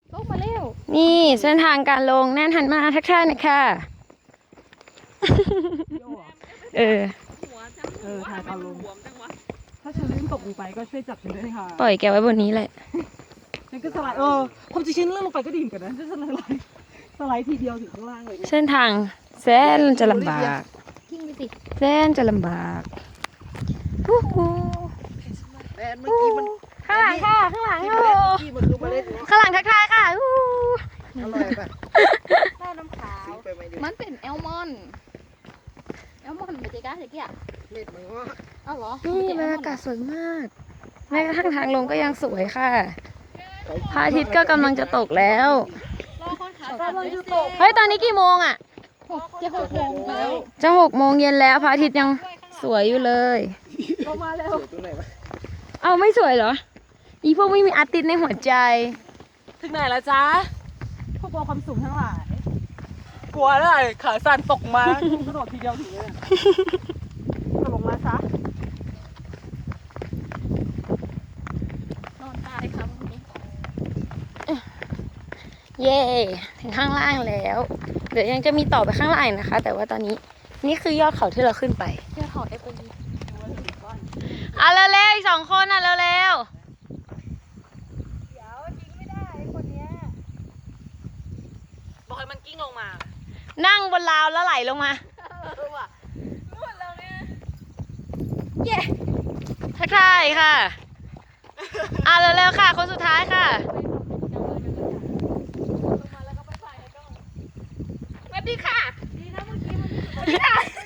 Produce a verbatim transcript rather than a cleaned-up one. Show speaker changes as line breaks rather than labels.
ลงมาเร็ว
นี่เส้นทางการลงแน่นหันมาทักทายหน่อยค่ะ เออ
เออถ่ายตอนลงถ้าฉันลื่นตกลงไปก็ช่วยจับฉันด้วยค่ะ
ปล่อยแกไว้บนนี้แหละ
ฉันก็สไลด์เออความจริงฉันลื่นลงไปก็ดีเหมือนกันนะฉันสไลด์สไลด์ทีเดียวถึงข้างล่างเลย
เส้นทางแสนจะลำบาก
ทิ้งไปสิ
แสนจะลำบากฮู้ฮู้
แอนเมื่อกี้มัน
ข้างหลังค่ะ ข้างหลัง
ที่
โอ้
เมื่อกี้มันคือเมล็ดเนาะ
ข้างหลังทักทายค่ะฮู้
อร่อยป่ะ
ข้าวน้ำขาว
ซื้อไปไหมเดี๋ยว
มันเป็นแอลมอนด์แอลมอนด์ไม่ใช่ก้าเจ๊กี้อ่ะ
เม็ดมันก็
อ้าวเหรอ
นี่บรรยากาศสวยมากแม้กระทั่งทางลงก็ยังสวยค่ะพระอาทิตย์ก็กำลังจะตกแล้ว
รอคนขากำลังจะตก
เฮ้ยตอนนี้กี่โมงอ่ะ
หกจะหกโมงแล้ว
จะหกโมงเย็นแล้วพระอาทิตย์ยังสวยอยู่เลย
ลงมาแล้วตรงไหนวะ
เอาไม่สวยเหรอ อีพวกไม่มีอาร์ติสในหัวใจ
ถึงไหนแล้วจ๊ะพวกกลัวความสูงทั้งหลายกลัวได้ขาสั่นตกมากระโดดทีเดียวถึงเลยกระโดดลงมาซะ
นอนตายครับ
เย่ถึงข้างล่างแล้ว เดี๋ยวยังจะมีต่อไปข้างล่างนะคะ แต่ว่าตอนนี้นี่คือยอดเขาที่เราขึ้นไป
เที่ยวเขาเอฟเอ็น
อ่ะเร็วๆอีกสองคนอ่ะเร็ว
บอกให้มันกิ้งลงมา
ๆนั่งบนราวแล้วไหลลงมา
เย้
ทักทายค่ะ อ่ะเร็วๆค่ะ คนสุดท้ายค่ะ
สวัสดีค่ะดีนะเมื่อกี้มัน